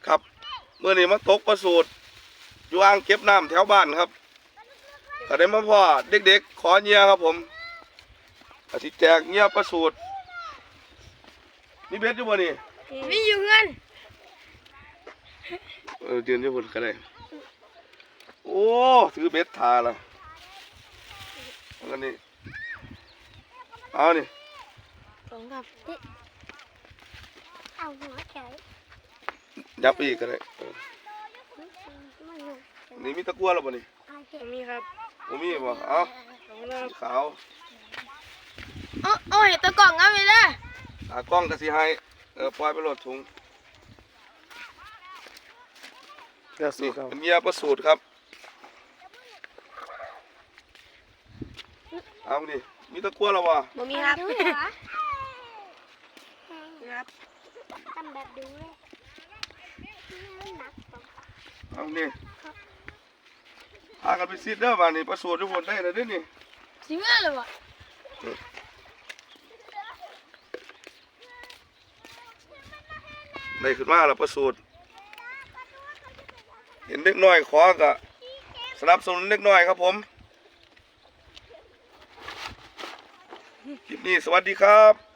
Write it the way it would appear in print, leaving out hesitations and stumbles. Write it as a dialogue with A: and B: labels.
A: ครับเมื่อนี้มาตกปลาสูตรอยู่อ่างเก็บน้ำแถวบ้านครับก็ได้มาพ่อเด็กๆขอเงียครับผมอาทิแจกเงียปลาสูตรนี่เบ็ดอยู่บ่นี่
B: มีอยู่เงิน
A: เดือนอยู่บนก็ได้โอ้ถือเบ็ดทาละแล้วนี่เอานี่
B: สองครับเอาหัวเฉย
A: ยับอีกก็ได้นี่มีตะกั่วแล้วบ่นี่
B: มีครับ
A: มีบ่เอาสีขาว
B: เอาเห็ดตะกล่องเอาไปเลย
A: กล้องก็สิให้ปล่อยไปโหลดถุงนี่เป็นเงียปลาสูตรครับเอาดิมีตะกั่วแล้ววะ
B: บ่มีครับครับ
C: ทำแบบดูเลย
A: เอาดิพากันไปซิดเด้อบ้านนี้ปลาสูตรทุกคนได้เลยเด้อนี่
B: สิเมื่อเลยวะ
A: ได้ขึ้นมาแล้วปลาสูตรเห็นเล็กน้อยขอกะสนับสนุนเล็กน้อยครับผมคลิปนี้สวัสดีครับ